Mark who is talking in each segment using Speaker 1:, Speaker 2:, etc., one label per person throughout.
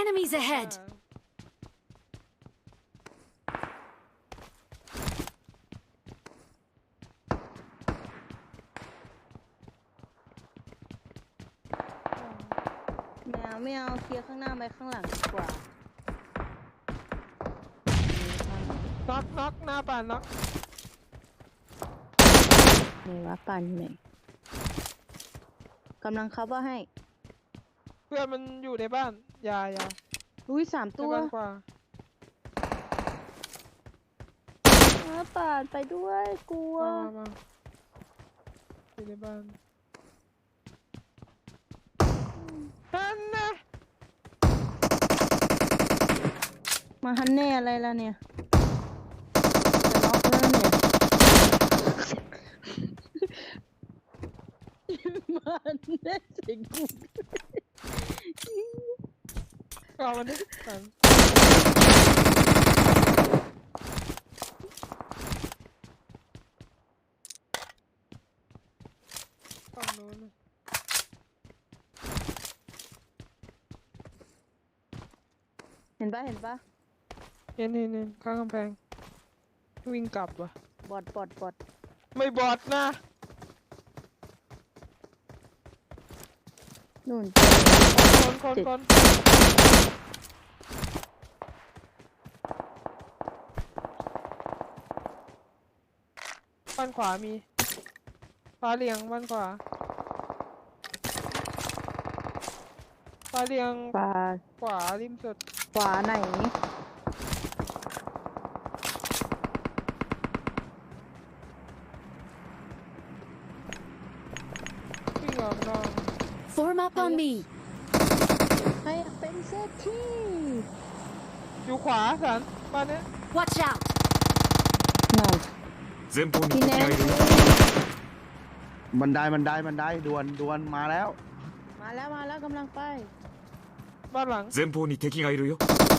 Speaker 1: Enemies ahead!
Speaker 2: ไม่เอาเคลียร์ข้างหน้าไปข้างหลังดีกว่า
Speaker 3: น็อกหน้าป่านน็อก
Speaker 2: ไหนวะปั่นอยู่ไหนกำลังคัฟว่าให้
Speaker 3: เพื่อนมันอยู่ในบ้านอย่า
Speaker 2: อุ้ย3
Speaker 3: ใน
Speaker 2: ตัว
Speaker 3: บ้านกว่า
Speaker 2: ป่านไปด้วยกลัว
Speaker 3: มาอยู่ในบ้านนั่นนะ
Speaker 2: มาฮันแน่อะไรล่ะเนี่ยจะน็อกแล้วเนี่ยมาฮันแน่เสิงกู
Speaker 3: เอามันดิปั่นฝั่งโน้น
Speaker 2: เห็นปะ
Speaker 3: เห็นข้างกำแพงวิ่งกลับว่ะ
Speaker 2: บอด
Speaker 3: ไม่บอดนะ
Speaker 2: นู่น
Speaker 3: คนบ้านขวามีฟ้าเลียงบ้านขวาฟ้าเลียง
Speaker 2: ปลา
Speaker 3: ขวาริมสุด
Speaker 2: ขวาไหน
Speaker 3: วิ่งออกนอก
Speaker 1: Form up on me!
Speaker 2: ใครอยากเป็นเศรษฐี
Speaker 3: อยู่ขวาสันบ้านเนี้ย
Speaker 1: Watch out!
Speaker 2: นั่น
Speaker 4: 前方に
Speaker 2: พี่
Speaker 4: 敵
Speaker 2: แน
Speaker 4: が
Speaker 2: น
Speaker 4: いるよ
Speaker 5: บันไดด่วนมาแล้ว
Speaker 2: มาแล้วกำลังไป
Speaker 3: บ้านหลัง
Speaker 4: 前方に敵がいるよ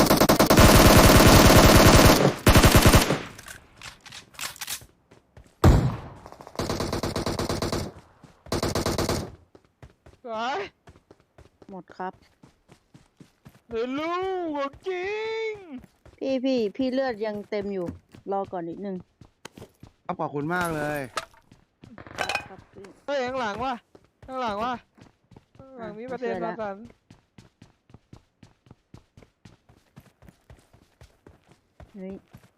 Speaker 3: สวย
Speaker 2: หมดครับ
Speaker 3: เดี๋ยวลูกจริง
Speaker 2: พี่เลือดยังเต็มอยู่ รอก่อนนิดนึง
Speaker 5: ขอบคุณมากเลย
Speaker 2: ครับพี่
Speaker 3: เฮ้ยข้างหลังว่ะข้างหลังมีประเด็น
Speaker 2: เชื่อแล้
Speaker 3: มาว สัน
Speaker 2: เฮ้ย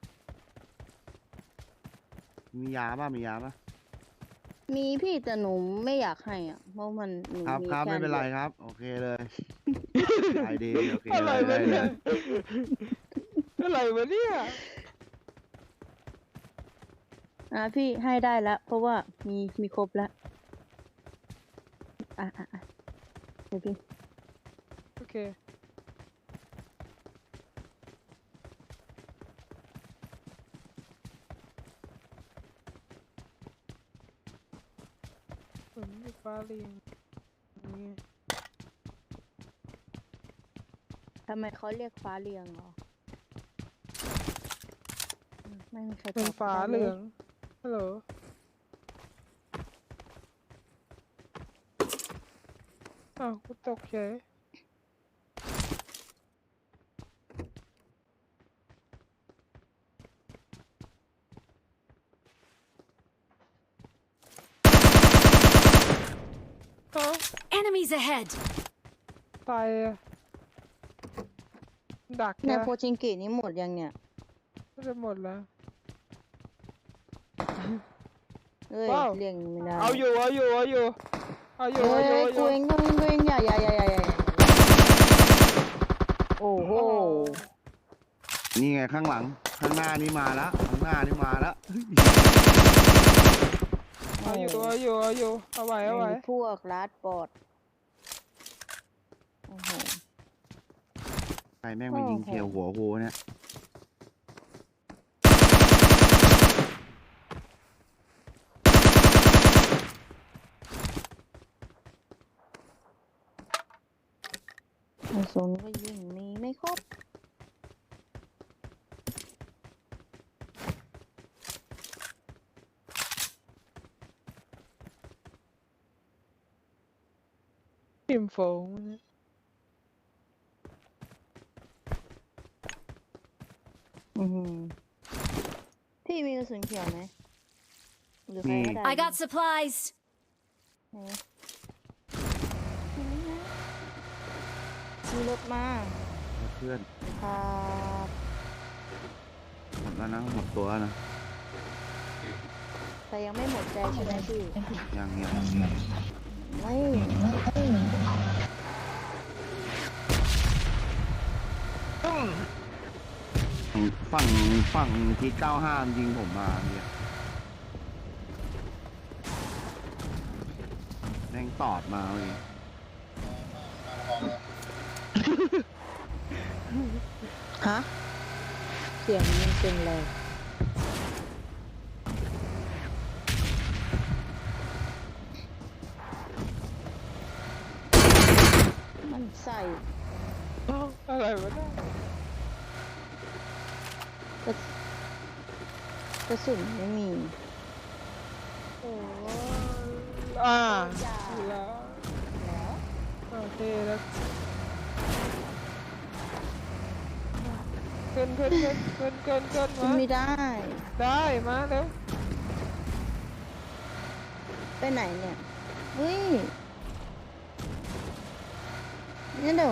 Speaker 5: มียาป่ะ
Speaker 2: มีพี่แต่หนูไม่อยากให้อ่ะ เพราะมันหนู
Speaker 5: ครับ
Speaker 2: มี
Speaker 5: ครับ
Speaker 2: แค่
Speaker 5: ไม่เป็นไร
Speaker 2: ดียว
Speaker 5: ครับ โอเคเลยไปดีโอเค
Speaker 3: อะไร
Speaker 5: เล
Speaker 3: วะ
Speaker 5: ย
Speaker 3: เนี่ยอะไรวะเนี่ย
Speaker 2: พี่ให้ได้แล้ว เพราะว่ามีครบแล้ว เดี๋ยวพี่
Speaker 3: โอเคผมอยู่ฟ้าเรียงนี่
Speaker 2: ทำไมเขาเรียกฟ้าเรียงเหรอไม่มีใครต
Speaker 3: เป็น
Speaker 2: อบ
Speaker 3: ฟ้า
Speaker 2: ได้
Speaker 3: เหลืองฮัลโหลอ้าวกูตกเฉยเอ้า
Speaker 1: Enemies ahead!
Speaker 3: ตายอะดัก
Speaker 2: เนี่ย
Speaker 3: นะ
Speaker 2: โพชิงกินี่หมดยังเนี่ย
Speaker 3: ก็จะหมดแล้ว
Speaker 2: เอ้ย
Speaker 3: ว้าว
Speaker 2: เรียงไม่ได้
Speaker 3: เอาอยู่
Speaker 2: เอ้ย
Speaker 3: กู
Speaker 2: กูเองอย่าโอ้โห
Speaker 5: นี่ไงข้างหลัง ข้างหน้านี่มาแล้ว ข้างหน้านี่มาแล้ว
Speaker 3: เอาอยู่เอาไว้
Speaker 2: พวกลัดปอดโอ้โห
Speaker 5: ใครแม่งมายิงเขียวหัวกูเนี่ย
Speaker 2: กระสุนก็ยิงมีไม่ครบ
Speaker 3: พิมพ์โฟง
Speaker 2: อือหือพี่มีกระสุนเขียวไหมหรือใครก็ได้
Speaker 1: I got supplies.
Speaker 2: ไหนมีรถมา
Speaker 5: เพื่อน
Speaker 2: ครับ
Speaker 5: หมดแล้วนะหมดตัวแล้วนะ
Speaker 2: แต่ยังไม่หมดใจใช่ไหมพี่
Speaker 5: ยัง
Speaker 2: ไม่
Speaker 5: ฝั่งที่95ยิงผมมาเนี่ยแม่งตอดมาเลย
Speaker 2: ฮะเสียงมันเป็นอะไรมันใส่
Speaker 3: อ้าวอะไรวะเนี่ย
Speaker 2: กระกระสุนไม่มี
Speaker 3: โอ้อ่า
Speaker 2: จ้า
Speaker 3: แล้ว
Speaker 2: แล้ว
Speaker 3: โอเคแล้วเกิน
Speaker 2: ขึ้น
Speaker 3: มา
Speaker 2: ไม่ได้
Speaker 3: ได้มาเร็ว
Speaker 2: ไปไหนเนี่ยเฮ้ยนี่เดี๋ยว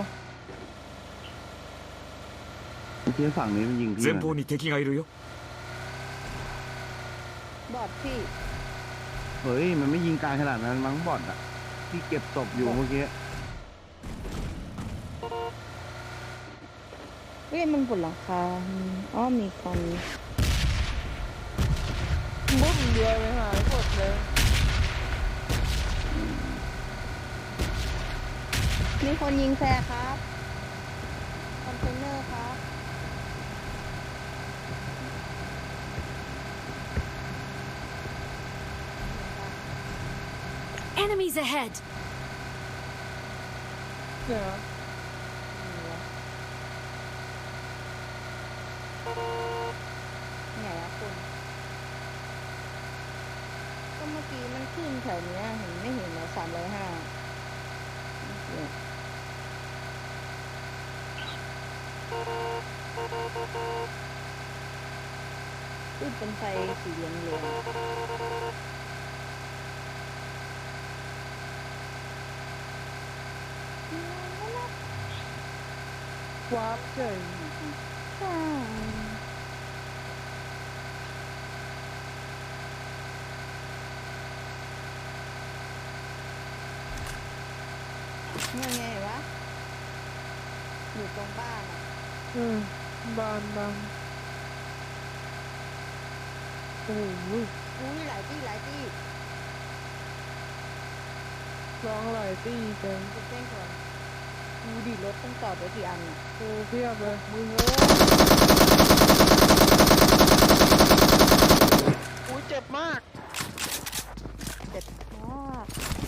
Speaker 5: เมื่อกี้ฝั่งนี้มันยิงพี่
Speaker 4: 前
Speaker 5: นะ
Speaker 4: 方に敵がいるよ。
Speaker 2: บอดพี่
Speaker 5: เฮ้ยมันไม่ยิงไกลขนาดนั้นมั้งบอดอ่ะที่เก็บศพอยู่เมื่อกี้
Speaker 2: เฮ้ยมันบนหลังคาอ๋อมีคน
Speaker 3: มุดเดียวไปหายหมดเลย
Speaker 2: มีคนยิงแฟร์ครับคอนเทนเนอร์ครับ
Speaker 1: Enemies ahead.
Speaker 3: เดี๋ยว
Speaker 2: ไหนอะคุณก็เมื่อกี้มันขึ้นแถวเนี้ยเห็นไม่เห็นเหรอ305ขึ้นเป็นไฟสีเหลืองเหลือง
Speaker 3: วาร์ปเฉย
Speaker 2: ใช่ยังไงวะอยู่ตรงบ้านอ่ะ
Speaker 3: บานโอ้โห
Speaker 2: อุ้ยหลายที่
Speaker 3: ร้องหลายตีจัง
Speaker 2: จุดเส้นก่อนดูดิรถต้องจอดไว้กี่อันอ่ะ
Speaker 3: โอ้เพียบเลย
Speaker 2: มึงเอ้ย
Speaker 3: อุ้ยเจ็บมาก
Speaker 2: เจ็บมาก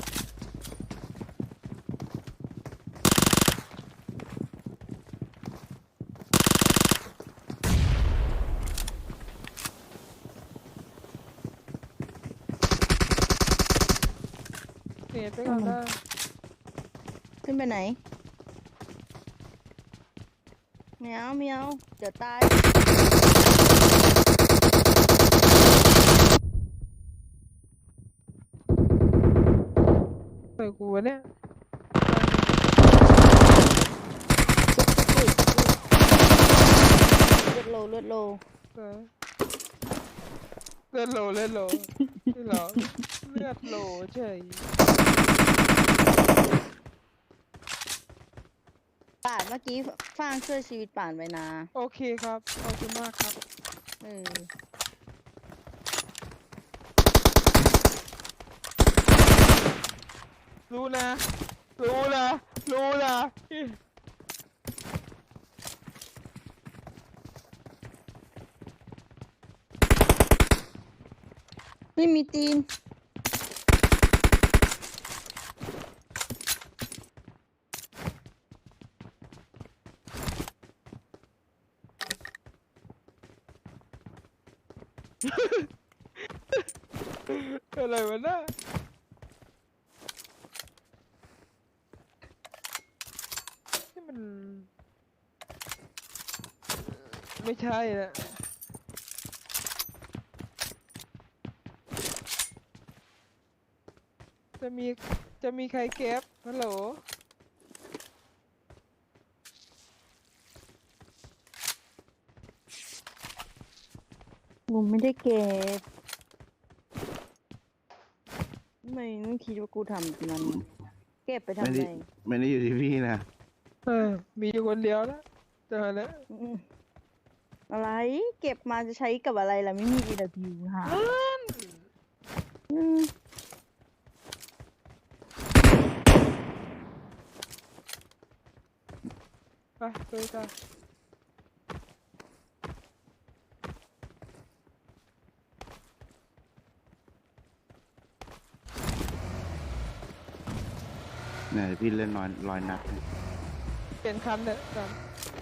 Speaker 3: เน็ตไปก่อนได้
Speaker 2: ขึ้นไปไหนไม่เอาเดี๋ยวตาย
Speaker 3: ใส่กูวะเนี่ย
Speaker 2: เลือดโล
Speaker 3: เลือดโหลที่หรอเลือดโหลเฉย
Speaker 2: ป่านเมื่อกี้ฟางช่วยชีวิตป่านไว้นะ
Speaker 3: โอเคครับขอบคุณมากครับ
Speaker 2: เออ
Speaker 3: รู้นะ
Speaker 2: ไม่มีตีน
Speaker 3: อะไรวะน่ะนี่มัน ไม่ใช่ละจะมีจะมีใครเก็บฮัลโหล
Speaker 2: กูไม่ได้เก็บไม่ต้องคิดว่ากูทำมันเก็บไปทำ
Speaker 5: ไม่
Speaker 2: อะไร
Speaker 5: ได้ไม่ได้อยู่ที่พี่นะ
Speaker 3: มีอยู่คนเดียวแล้วเจอแล้ว
Speaker 2: อืมอะไรเก็บมาจะใช้กับอะไรล่ะไม่มี EW หาอืม
Speaker 3: ไปเลยจ้ะ
Speaker 5: เนี่ยพี่เล่นร้อยนัดเนี่ย
Speaker 3: เปลี่ยนคันเลยจ้ะ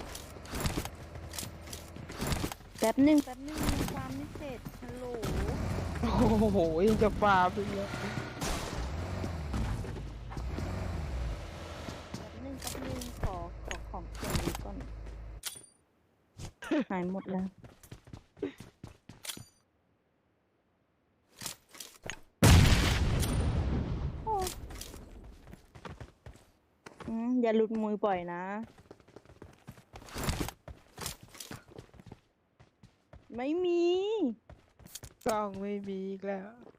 Speaker 2: แป๊บหนึ่งมีความไม่เสร็จฮัลโหล
Speaker 3: โอ้โหยังจะฟาไปเลย
Speaker 2: แป๊บหนึ่งขอของเสียงนี้ก่อน หายหมดแล้วโอ้อย่าหลุดมือปล่อยนะ ไม่มี
Speaker 3: กล้องไม่มีอีกแล้ว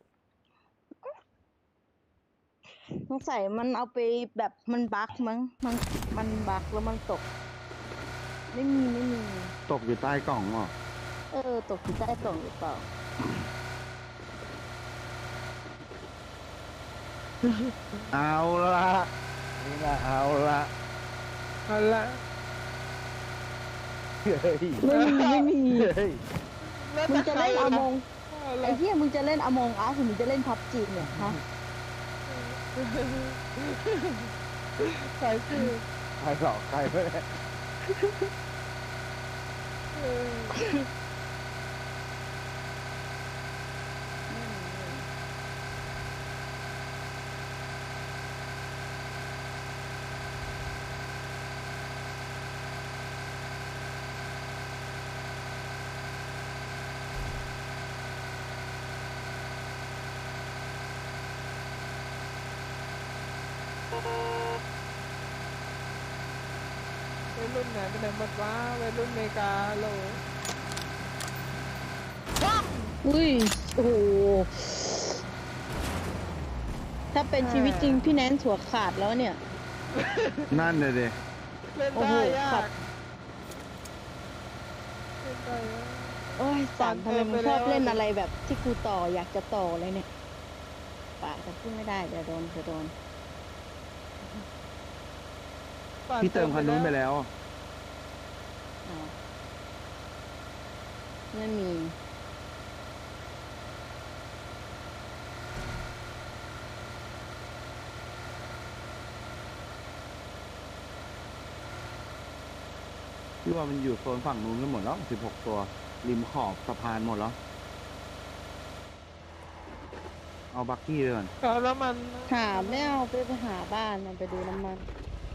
Speaker 2: สงสัยมันเอาไปแบบมันบั๊กมั้งมันบั๊กแล้วมันตก ไม่มี
Speaker 5: ตกอยู่ใต้กล่องเหรอ
Speaker 2: ตกอยู่ใต้กล่องหรือเปล่า
Speaker 5: เอาละนี่นะเอาละ
Speaker 3: เอาละ
Speaker 5: เฮ้ย
Speaker 2: ไม่มี
Speaker 5: เฮ้ย
Speaker 3: แล้ว
Speaker 2: มึงจะเล่นอมง
Speaker 3: เอา
Speaker 2: ไอ้
Speaker 3: ละ
Speaker 2: เหี้ยมึงจะเล่นอมงอาร์หรือมึงจะเล่นพับจีเนี่ยฮะ
Speaker 3: สายสืบ
Speaker 5: ใครหลอกใครไม่ได้
Speaker 3: เออ วัยรุ่นไหนเป็นไหนหมดวะวัยรุ่นอเมริกาโหล
Speaker 2: อุ้ยโอ้โหถ้าเป็นชีวิตจริงพี่แนนหัวขาดแล้วเนี่ย
Speaker 5: นั่นเลยดิ
Speaker 3: เล่น
Speaker 2: โอ้โห
Speaker 3: ได้ยา
Speaker 2: ขั
Speaker 3: ก
Speaker 2: ด
Speaker 3: เล่นได้ยาก
Speaker 2: โอ้ยสารทำไมมึงชอบเล่นอะไรแบบที่กูต่ออยากจะต่อเลยเนี่ยป่าแต่พูดไม่ได้เดี๋ยวโดน
Speaker 3: ปั่
Speaker 5: พี่เติมคันนู้นไปแล้ว
Speaker 2: อ๋อไม่มี
Speaker 5: พี่ว่ามันอยู่โซนฝั่งนู้นกันหมดแล้ว16 ตัว ริมขอบสะพานหมดแล้ว เอาบักกี้ไปก่อน
Speaker 3: เอาแล้วมัน
Speaker 2: หาไม่เอาไปหาบ้านมันไปดูน้ำมัน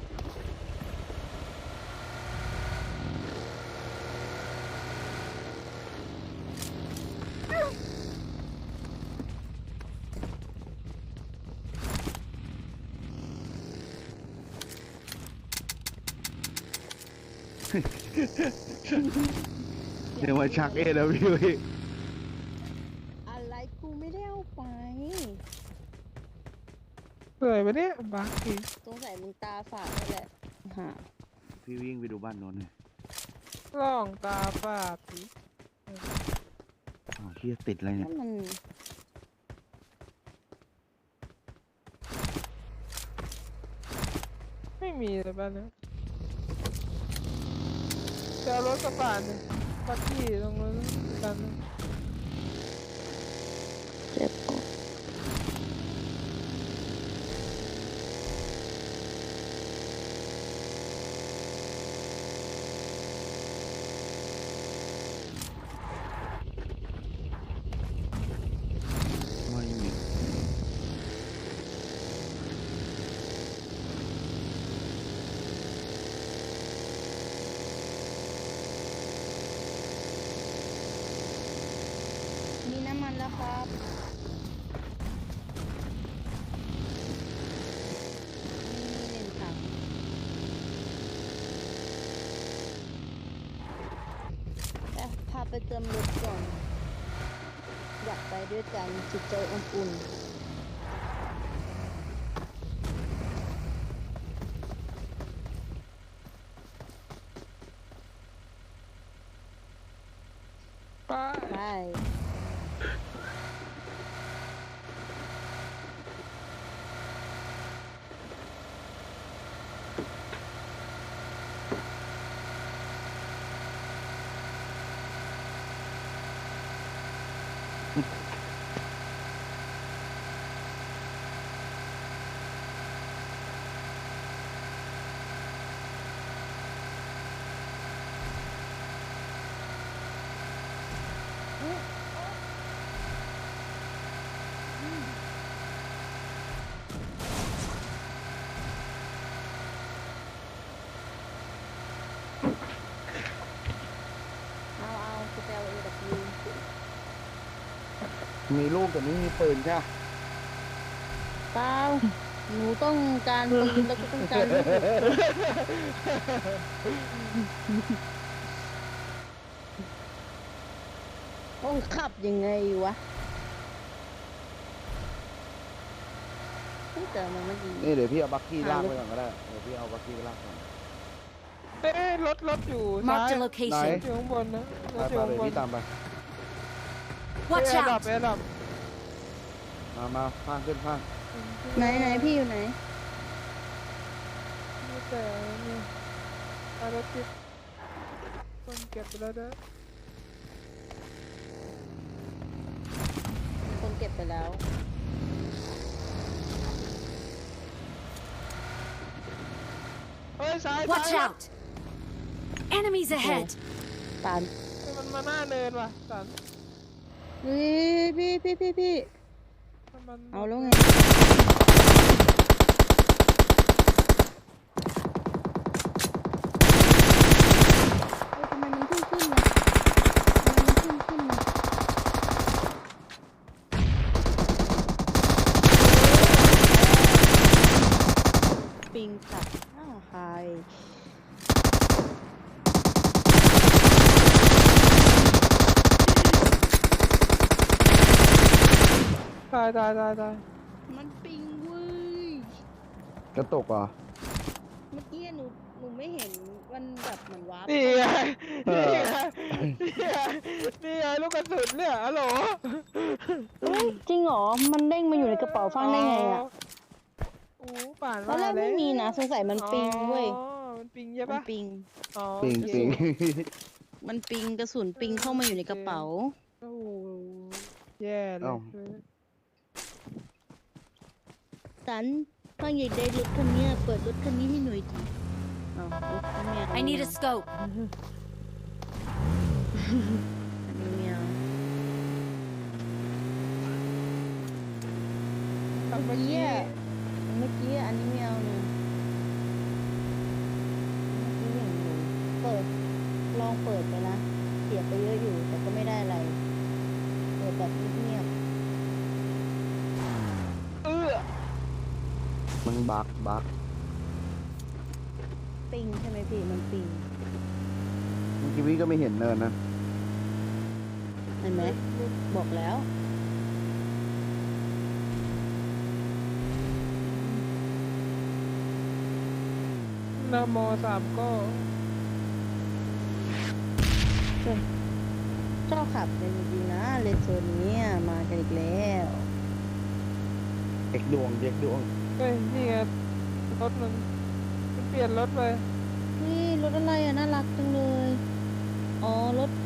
Speaker 5: เดี๋ยวมาชักแล้วพี่
Speaker 2: อะไรกูไม่ได้เอาไป
Speaker 3: เปื่อยไปเนี่ยบักอีก
Speaker 2: สงสัยมึงตาฝาดนี่แหละหา
Speaker 5: พี่วิ่งไปดูบ้านโน้นเลย
Speaker 3: ล่องตาฝาดสิ
Speaker 5: อ้าวเฮียติดอะไรเนี่ย
Speaker 2: ถ้ามัน
Speaker 3: ไม่มีเลยบ้านนะจะเอารถกระบะเนี่ยบักกี้ตรงนั้นกันนะ
Speaker 2: เจ็บ
Speaker 5: ไม่มี
Speaker 2: มีน้ำมันแล้วครับไปเติมรถก่อน อยากไปด้วยกันจิตใจอบอุ่น
Speaker 3: ไป
Speaker 2: ไป เอาจะไปเอาเอกับยู
Speaker 5: มีลูกแต่ไม่มีปืนใช่ปะ
Speaker 2: เปล่าหนูต้องการปืนแล้วก็ต้องการลูกต้องขับยังไงวะแต่มันไม่ดี
Speaker 5: นี่เดี๋ยวพี่เอาบักกี้ลากไปก่อนก็ได้เดี๋ยวพี่เอาบักกี้ไปลากก่อน
Speaker 3: เอ๊ะรถอยู่ซ้าย
Speaker 1: Marked a
Speaker 5: ไหน
Speaker 1: location.
Speaker 3: อยู่ข้างบนนะร
Speaker 5: ไป
Speaker 3: ถอยู่
Speaker 5: ไป
Speaker 3: ข้างบน
Speaker 5: เดี๋ยวพี่ตามไป
Speaker 1: Watch
Speaker 3: เอ๊ะดับ
Speaker 1: out!
Speaker 3: เอ๊ะดับ
Speaker 5: มาพางขึ้นพาง
Speaker 2: ไหนพี่อยู่ไหน
Speaker 3: มีแต่เนี่ยรถติดคนเก็บไปแล้วนะ
Speaker 2: มีคนเก็บไปแล้ว
Speaker 3: เฮ้ยซ้าย
Speaker 1: Watch
Speaker 3: ซ้าย
Speaker 1: out! Enemies ahead!
Speaker 2: ตาม
Speaker 3: เฮ้ยมันมาหน้าเนินว่ะสัน
Speaker 2: เฮ้ยพี่
Speaker 3: มัน
Speaker 2: เอาแล้วไงเฮ้ยทำไมมันขึ้นนะทำไมมันขึ้นนะปิงตัดใคร
Speaker 3: ตาย
Speaker 2: มันปิงเว้ย
Speaker 5: กระตกเหรอ
Speaker 2: เมื่อกี้หนูไม่เห็นมันแบบเหมือนวาร์ป
Speaker 3: นี่ไง
Speaker 5: เออ
Speaker 3: นี่ไงลูกกระสุนเนี่ยฮัลโหล
Speaker 2: เฮ้ยจริงเหรอ มันเด้งมาอยู่ในกระเป๋าฟังได้ไงอ่ะ
Speaker 3: โอ้ป่าน
Speaker 2: ตอนแรกไม่มีนะสงสัยมันปิงเว้ย
Speaker 3: อ๋อมันปิงใช่
Speaker 2: มัน
Speaker 3: ปะ
Speaker 2: ปิง
Speaker 3: อ๋อ
Speaker 5: ปิง
Speaker 3: โอเค
Speaker 5: ปิง
Speaker 2: มันปิงกระสุนปิงเข้ามาอยู่ในกระเป๋า
Speaker 3: โอ้โหแย่เล
Speaker 5: เอ้า
Speaker 3: ย
Speaker 2: สันฟังอยากได้รถคันเนี้ยเปิดรถคันนี้ให้หน่อยดิเอารถคันเนี้ย
Speaker 1: I need a scope.
Speaker 2: อันนี้ไม่เอา
Speaker 3: ทำเมื่อกี้
Speaker 2: เมื่อกี้อันนี้ไม่เอาเนี่ยเมื่อกี้อย่างอยู่เปิดลองเปิดไปนะเสียไปเยอะอยู่แต่ก็ไม่ได้อะไรเปิดแบบเงียบ
Speaker 5: มันบัก
Speaker 2: ๆปิงใช่ไหมพี่มันปิง
Speaker 5: เมื่อกี้พี่ก็ไม่เห็นเนินนะ
Speaker 2: เห็นไหมบอกแล้ว
Speaker 3: นะโมสามก็
Speaker 2: ชอบขับเป็นจริงๆนะเลนโซนนี้มากันอีกแล้ว
Speaker 5: เด็กดวง
Speaker 3: เฮ้ยนี่ไงรถมันเปลี่ยนรถไป
Speaker 2: นี่รถอะไรอ่ะน่ารักจังเลย อ๋อรถ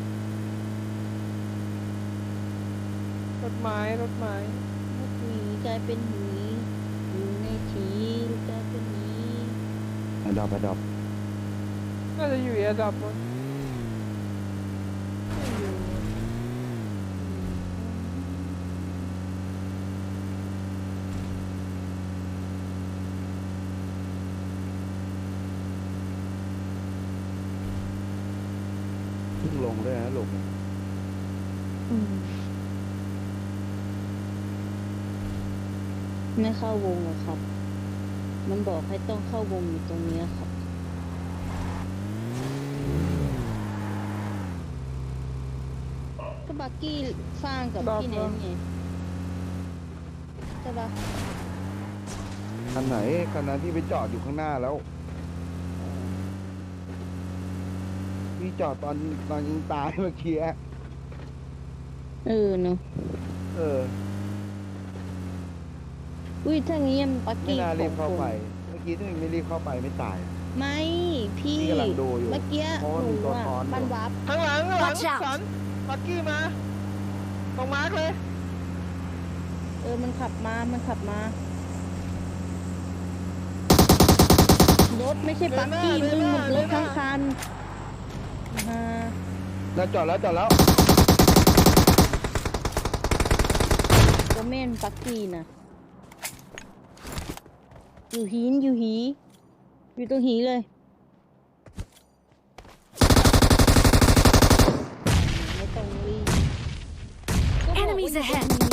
Speaker 3: รถไม้รถไม้
Speaker 2: รถหมีกลายเป็นหมีอยู่ในถีกลายเป็นหมี
Speaker 5: ไปดอบ
Speaker 3: น่าจะอยู่ระดับมั้ง
Speaker 2: ไม่อยู่
Speaker 5: เพิ่งลงด้วยนะลูกเนี่ย
Speaker 2: ไม่เข้าวงหรอกครับ มันบอกให้ต้องเข้าวงอยู่ตรงเนี้ยครับก็บักกี้ฟางกับ
Speaker 3: ดอก
Speaker 2: พี่เนนไงใช่ปะ
Speaker 5: คันไหนคันนั้นที่ไปจอดอยู่ข้างหน้าแล้ว พี่จอดตอนยิงตายเมื่อกี้อะ
Speaker 2: เออเนาะ
Speaker 5: เออ
Speaker 2: อุ้ยถ้างี้มันบัก
Speaker 5: ไม่
Speaker 2: กี้
Speaker 5: น่ารีบเข้า
Speaker 2: ของ
Speaker 5: ไป
Speaker 2: คน
Speaker 5: เมื่อกี้ถ้าไม่รีบเข้าไปไม่ตาย
Speaker 2: ไม่พี่
Speaker 5: พี่กำลังดูอยู่
Speaker 2: เมื่อกี้
Speaker 5: เพราะว่า
Speaker 2: ห
Speaker 5: มี
Speaker 2: นู
Speaker 5: ตัว
Speaker 2: อ่ะ
Speaker 5: ซ้อนอยู่
Speaker 2: มันวับ
Speaker 3: ข้างหลัง
Speaker 1: Watch out
Speaker 3: สันปักกี้มาตรงมาร์กเลย
Speaker 2: มันขับมารถไม่ใช่บักกี้มึงมันรถทั้งคันอ่า
Speaker 5: แล้วจอดแล้ว
Speaker 2: ก็เม่นบักกี้นะอยู่หีอยู่ตรงหีเลยไม่ต้องรีบก็บอกว่าอยู่ตรง
Speaker 1: Enemies ahead
Speaker 2: หี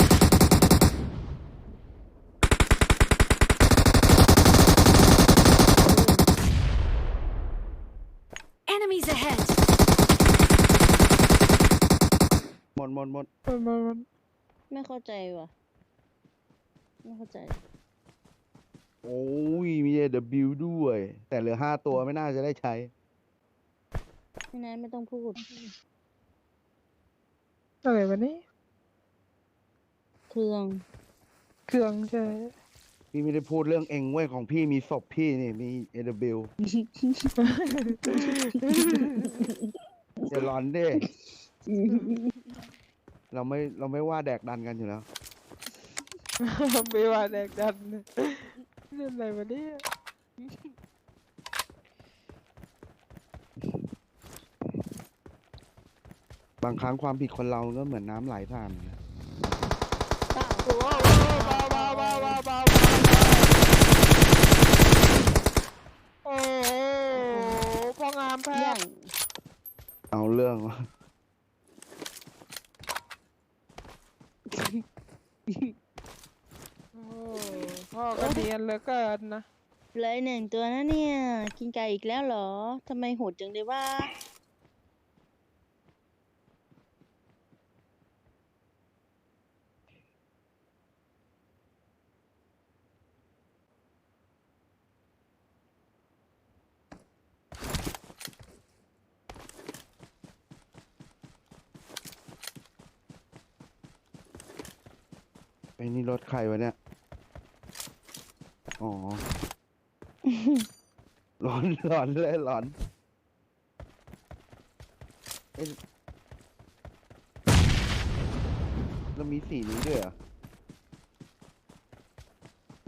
Speaker 1: Enemies ahead!
Speaker 5: หมด
Speaker 3: มัน
Speaker 2: ไม่เข้าใจว่ะ ไม่เข้าใจ
Speaker 5: โอ้ยมี AW ด้วย แต่เหลือ5 ตัวไม่น่าจะได้ใช้
Speaker 2: ไม่นั้นไม่ต้องพูด
Speaker 3: อะไรวะนี่
Speaker 2: เครื่อง
Speaker 3: เครื่องใช่
Speaker 5: พี่ไม่ได้พูดเรื่องเองเว้ยของพี่มีศพพี่นี่มี AW อย่าร้อนดิเราไม่ว่าแดกดันกันอยู่แล้ว
Speaker 3: ไม่ว่าแดกดันเรื่องอะไรวะเนี่ย
Speaker 5: บางครั้งความผิดคนเราก็เหมือนน้ำไหลผ่านนะ
Speaker 2: เปล่า
Speaker 3: โอ้โหเบาโอ้โหพองามแพ้
Speaker 2: อย่าง
Speaker 5: เอาเรื่องวะ
Speaker 3: โอ้พ่อก็เนียนเหลือเกินนะ
Speaker 2: เลยหนึ่งตัวนะเนี่ย กินไก่อีกแล้วเหรอ ทำไมโหดจังเลยว่า
Speaker 5: ไอ้นี่รถใครวะเนี่ย อ๋อ ร้อนเลยร้อนเอ้ยแล้วมีสีนี้ด้วยเหรอ
Speaker 3: มี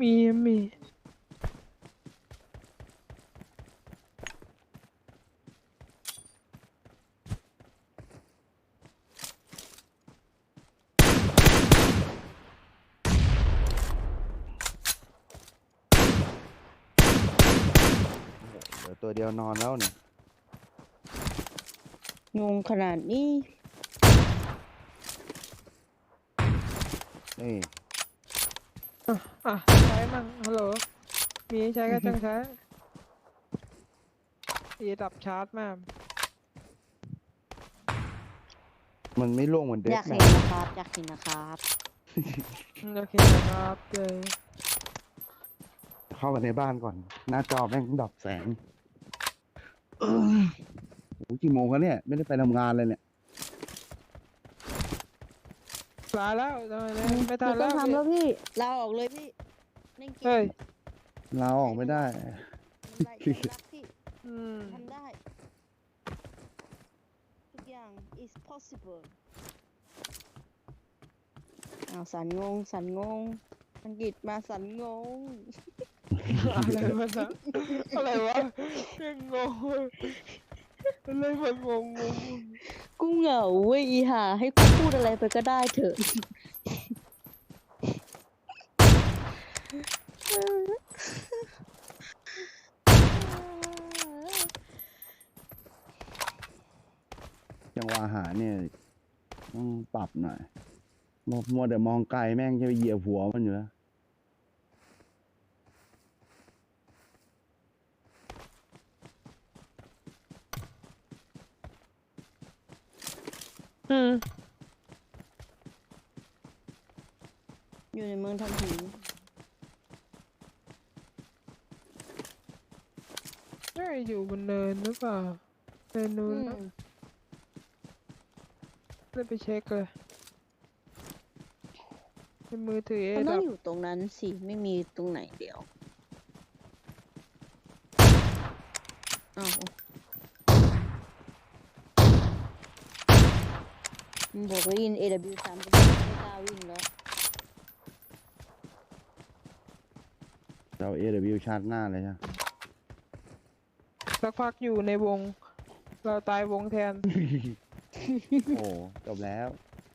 Speaker 5: เดี๋ยวตัวเดียวนอนแล้วเนี่ย
Speaker 2: งงขนาดนี้
Speaker 5: นี่
Speaker 3: อ่ะใช้มั่งฮัลโหล มีใช้ก็จังใช้ตีดับชาร์จมาก
Speaker 5: มันไม่ล่วงเหมือนเด็
Speaker 2: อก ยาก
Speaker 5: แม
Speaker 2: เห็น
Speaker 5: น
Speaker 2: นะครับ อยากเห็นนะครับ
Speaker 3: โอเคนะครับเลย
Speaker 5: เข้ามาในบ้านก่อน หน้าจอแม่งดับแสงโอ้โหกี่โมงแล้วเนี่ย ไม่ได้ไปทำงานเลยเนี่ย
Speaker 3: ลาแล้วทำไมเนี่ยไม่ทั
Speaker 2: ไม่
Speaker 3: น
Speaker 2: ต้
Speaker 3: แล้
Speaker 2: อง
Speaker 3: ว
Speaker 2: ทำแล้วพี่ลาออกเลยพี่เล่นเก
Speaker 3: เฮ้
Speaker 2: ม
Speaker 3: ย
Speaker 5: ลาออกไม่ได้
Speaker 2: มันไร้รักพี่
Speaker 3: อืม
Speaker 2: ทำได้ ทุกอย่าง is possible อ้าวสันงงอังกฤษมาสันงง
Speaker 3: อะไรวะนะอะไรวะยังงงอะไรมันงง
Speaker 2: กูเหงาเว้ยอีห่าให้กูพูดอะไรไปก็ได้เถอะ
Speaker 5: จังหวะอาหารเนี่ยต้องปรับหน่อยมัวแต่มองไกลแม่งจะไปเหยียบหัวมันอยู่แล้ว
Speaker 3: อืม
Speaker 2: อยู่ในเมืองทำหิน
Speaker 3: น่าอยู่บนเนินหรือเปล่าเนินนู้น
Speaker 2: อื
Speaker 3: นะ
Speaker 2: ม
Speaker 3: ได้ไปเช็คเลยในมือถือเอ
Speaker 2: มันต้อ
Speaker 3: ดั
Speaker 2: ง
Speaker 3: บ
Speaker 2: อยู่ตรงนั้นสิ ไม่มีตรงไหนเดียวอ้าวมันบอกว่ายิน AW3 ไปไม่กล้าวิ่งแล้ว
Speaker 5: เรา AW ชาร์จหน้าเลยใช่ไหม
Speaker 3: สักพักอยู่ในวง เราตายวงแทน
Speaker 5: โอ้จบแล้ว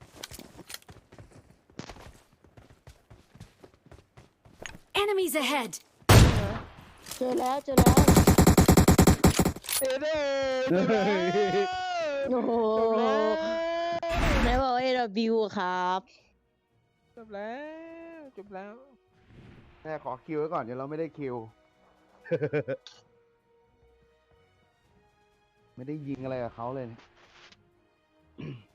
Speaker 1: Enemies ahead!
Speaker 2: เจอแล้วเจอแล้ว
Speaker 3: เอเด้จบแล้ว
Speaker 2: โอ้โห
Speaker 3: จบแล้ว
Speaker 2: ไหนบอกว่า AW อะครับ
Speaker 3: จบแล้วจบแล้ว
Speaker 5: แม่ขอคิวไว้ก่อนเดี๋ยวเราไม่ได้คิว ไม่ได้ยิงอะไรกับเขาเลยเนี่ย